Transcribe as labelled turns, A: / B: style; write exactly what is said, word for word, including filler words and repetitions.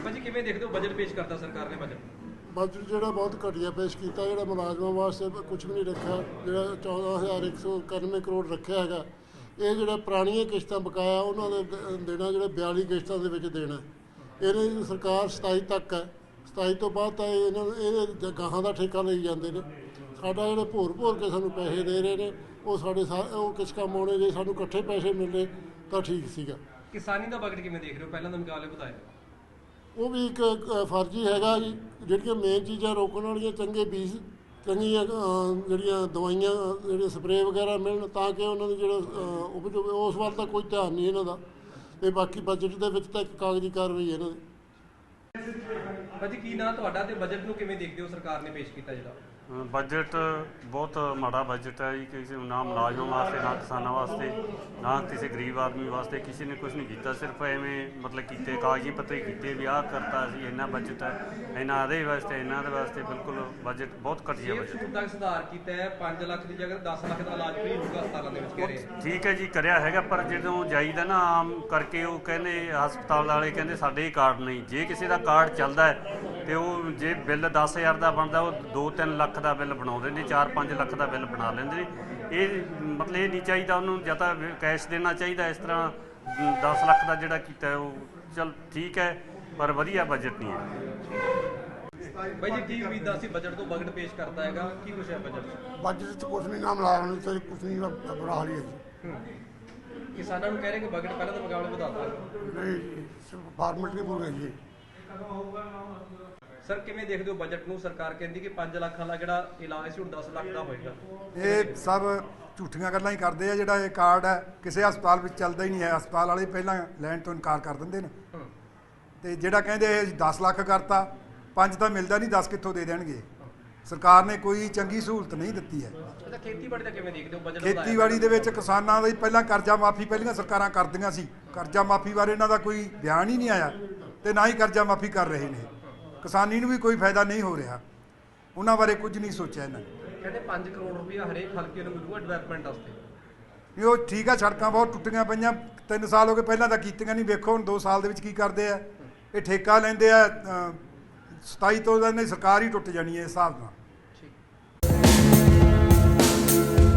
A: भाजी किवें देखदे हो बजट पेश करता सरकार ने बजट
B: बजट जो बहुत घटिया पेश किया, जो मुलाजमान वास्ते कुछ भी नहीं रखा, जो चौदह हज़ार एक सौ इक्यानवे करोड़ रखा है, ये जो पुरानियां किश्तां बकाया उन्होंने देना, जो बयाली किश्तों के देना, इन्हें सरकार सताई तक है, सताई तो बाद तो ये गाहां का ठेका ले जाते हैं। साडा जो भोर भोर के सानू पैसे दे रहे हैं वो साढ़े वो किस काम आने, जे सानू इकट्ठे पैसे मिले तो ठीक सीगा।
A: किसानी का बजट किवें देख रहे हो, पहला तो मुकाबले बताए
B: वो भी एक फर्जी हैगा जी, ਜਿਹੜੀਆਂ ਮੇਨ चीज़ां रोकने वाली चंगे बीज चंगियां ਜਿਹੜੀਆਂ दवाइयां ਜਿਹੜੇ स्प्रे वगैरह मिलन ताकि उन्होंने जो उपज उस वाल तो कोई ध्यान नहीं इन्हों का। ਤੇ बाकी बजट ਦੇ ਵਿੱਚ ਤਾਂ ਇੱਕ ਕਾਗਜ਼ੀ ਕਾਰਵਾਈ ਇਹਨਾਂ ਦੀ।
A: भाजी की ना ਤੁਹਾਡਾ ਤੇ ਬਜਟ ਨੂੰ ਕਿਵੇਂ ਦੇਖਦੇ ਹੋ ਸਰਕਾਰ ਨੇ ਪੇਸ਼ ਕੀਤਾ ਜਿਹੜਾ
C: बजट बहुत माड़ा बजट है जी, किसी ना मुलाजमों वास्ते ना किसानों वास्ते ना किसी गरीब आदमी वास्ते किसी ने कुछ नहीं किया, सिर्फ एवें मतलब किए कागजी पत्तरी किए भी आ करता असी इन्ना बजट है इन्ना दे वास्ते इन्ना दे वास्ते बिल्कुल बजट बहुत घटिया बजट
A: तक सुधार किया है। पाँच लाख की जगह दस लाख का इलाज फ्री होगा अस्पतालों में कह रहे
C: ठीक है जी कराया है, पर जो जाईदा ना आम करके वो कहते हस्पताल वाले कहते साढ़े कार्ड नहीं, जे किसी का कार्ड चलता है तो वो जे बिल दस हज़ार का बनता वो दो तीन लख का बिल बनाते हैं, चार पाँच लख का बिल बना लेंगे। ये मतलब ये नहीं चाहिए, उन्होंने या तो कैश देना चाहिए, इस तरह दस लख का जोड़ा किया वो चल ठीक है पर वधिया बजट नहीं है।
A: भाई जी की उम्मीद सी बजट तो बजट पेश करता है की कुछ है बजट
B: बजट कुछ नहीं, ना मुलाजम कुछ नहीं बुरा हाल ही है जी।
A: किसानों कह रहे कि बजट पहले तो मुकाबले बताता
B: नहीं जी, सिर्फ फॉर्मेलिटी पूरी है जी।
A: सर किवें देखदे हो बजट ਨੂੰ ਸਰਕਾਰ ਕਹਿੰਦੀ ਕਿ ਪੰਜ ਲੱਖ ਵਾਲਾ ਜਿਹੜਾ ਇਲਾਜ ਸੀ ਹੁਣ ਦਸ ਲੱਖ ਦਾ ਹੋਏਗਾ।
D: ਇਹ ਸਭ ਝੂਠੀਆਂ ਗੱਲਾਂ ਹੀ ਕਰਦੇ ਆ। ਜਿਹੜਾ ਇਹ ਕਾਰਡ ਹੈ ਕਿਸੇ ਹਸਪਤਾਲ ਵਿੱਚ ਚੱਲਦਾ ਹੀ ਨਹੀਂ ਹੈ, ਹਸਪਤਾਲ ਵਾਲੇ ਪਹਿਲਾਂ ਲੈਣ ਤੋਂ ਇਨਕਾਰ ਕਰ ਦਿੰਦੇ ਨੇ ਤੇ ਜਿਹੜਾ ਕਹਿੰਦੇ ਇਹ ਦਸ ਲੱਖ ਕਰਤਾ, ਪੰਜ ਤਾਂ ਮਿਲਦਾ ਨਹੀਂ, ਦਸ ਕਿੱਥੋਂ ਦੇ ਦੇਣਗੇ। ਸਰਕਾਰ ਨੇ ਕੋਈ ਚੰਗੀ ਸਹੂਲਤ ਨਹੀਂ ਦਿੱਤੀ ਹੈ।
A: ਅੱਛਾ ਖੇਤੀਬਾੜੀ ਦਾ ਕਿਵੇਂ ਦੇਖਦੇ ਹੋ ਬਜਟ?
D: ਖੇਤੀਬਾੜੀ ਦੇ ਵਿੱਚ ਕਿਸਾਨਾਂ ਦੀ ਪਹਿਲਾਂ ਕਰਜ਼ਾ ਮਾਫੀ ਪਹਿਲੀਆਂ ਸਰਕਾਰਾਂ ਕਰਦੀਆਂ ਸੀ, ਕਰਜ਼ਾ ਮਾਫੀ ਬਾਰੇ ਇਹਨਾਂ ਦਾ ਕੋਈ ਬਿਆਨ ਹੀ ਨਹੀਂ ਆਇਆ ਤੇ ਨਾ ਹੀ ਕਰਜ਼ਾ ਮਾਫੀ ਕਰ ਰਹੇ ਨੇ। ਕਿਸਾਨੀ ਨੂੰ ਵੀ ਕੋਈ ਫਾਇਦਾ ਨਹੀਂ ਹੋ ਰਿਹਾ, ਉਹਨਾਂ ਬਾਰੇ ਕੁਝ ਨਹੀਂ ਸੋਚਿਆ ਇਹਨਾਂ ਨੇ।
A: ਕਹਿੰਦੇ ਪੰਜ ਕਰੋੜ ਰੁਪਇਆ ਹਰੇਕ ਹਲਕੇ ਨੂੰ ਮਿਲੂਗਾ ਡਿਵੈਲਪਮੈਂਟ ਵਾਸਤੇ।
D: ਨਹੀਂ ਉਹ ਠੀਕ ਆ, ਸੜਕਾਂ ਬਹੁਤ ਟੁੱਟੀਆਂ ਪਈਆਂ, ਤਿੰਨ ਸਾਲ ਹੋ ਗਏ, ਪਹਿਲਾਂ ਤਾਂ ਕੀਤੀਆਂ ਨਹੀਂ, ਵੇਖੋ ਹੁਣ ਦੋ ਸਾਲ ਦੇ ਵਿੱਚ ਕੀ ਕਰਦੇ ਆ। ਇਹ ਠੇਕਾ ਲੈਂਦੇ ਆ ਸਤਾਈ ਤੋਂ, ਸਰਕਾਰ ਹੀ ਟੁੱਟ ਜਾਣੀ ਹੈ ਇਸ ਹਿਸਾਬ ਨਾਲ।